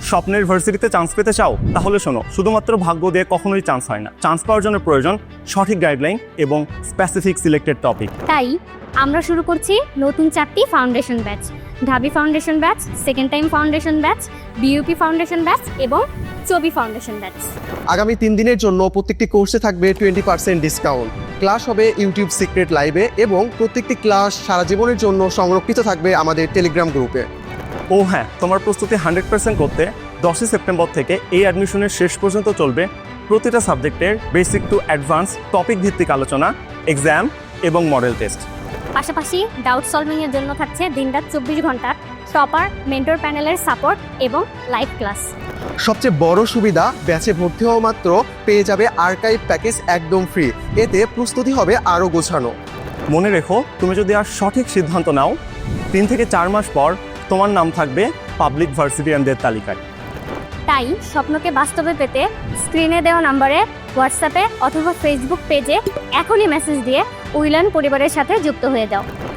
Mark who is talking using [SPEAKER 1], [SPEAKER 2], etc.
[SPEAKER 1] স্বপ্নের ভার্সিটিতে চান্স পেতে চাও? তাহলে শোনো, শুধুমাত্র ভাগ্য দিয়ে কখনোই চান্স হয় না। চান্স পাওয়ার জন্য প্রয়োজন সঠিক গাইডলাইন এবং স্পেসিফিক সিলেক্টেড টপিক।
[SPEAKER 2] তাই আমরা শুরু করছি নতুন 4টি ফাউন্ডেশন ব্যাচ: ঢাবি foundation batch, second time foundation batch, BUP foundation batch এবং চবি ফাউন্ডেশন ব্যাচ।
[SPEAKER 3] আগামী 3 দিনের জন্য প্রত্যেকটি কোর্সে থাকবে 20% ডিসকাউন্ট। ক্লাস হবে ইউটিউব সিক্রেট লাইভে এবং প্রত্যেকটি ক্লাস সারা জীবনের জন্য সংরক্ষিত থাকবে আমাদের টেলিগ্রাম গ্রুপে।
[SPEAKER 1] ও হ্যাঁ, তোমার প্রস্তুতি 100% করতে 10 সেপ্টেম্বর থেকে এই অ্যাডমিশনের শেষ পর্যন্ত চলবে প্রতিটা সাবজেক্টের বেসিক টু অ্যাডভান্স টপিক ভিত্তিক আলোচনা, এক্সাম এবং মডেল টেস্ট।
[SPEAKER 2] পাশাপাশি ডাউট সলভিংয়ের জন্য থাকছে দিনরাত 24 ঘন্টা টপার মেন্টর প্যানেলের সাপোর্ট এবং লাইভ ক্লাস।
[SPEAKER 3] সবচেয়ে বড় সুবিধা, ব্যাচে ভর্তি হওয়া মাত্র পেয়ে যাবে আর্কাইভ প্যাকেজ একদম ফ্রি। এতে প্রস্তুতি হবে আরও গোছানো।
[SPEAKER 1] মনে রেখো, তুমি যদি আর সঠিক সিদ্ধান্ত নাও, 3 থেকে 4 মাস পর তোমার নাম থাকবে পাবলিক ভার্সিটিয়ানদের তালিকায়।
[SPEAKER 2] তাই স্বপ্নকে বাস্তবে পেতে স্ক্রিনে দেওয়া নম্বরে হোয়াটসঅ্যাপে অথবা ফেসবুক পেজে এখনই মেসেজ দিয়ে উইলান পরিবারের সাথে যুক্ত হয়ে যাও।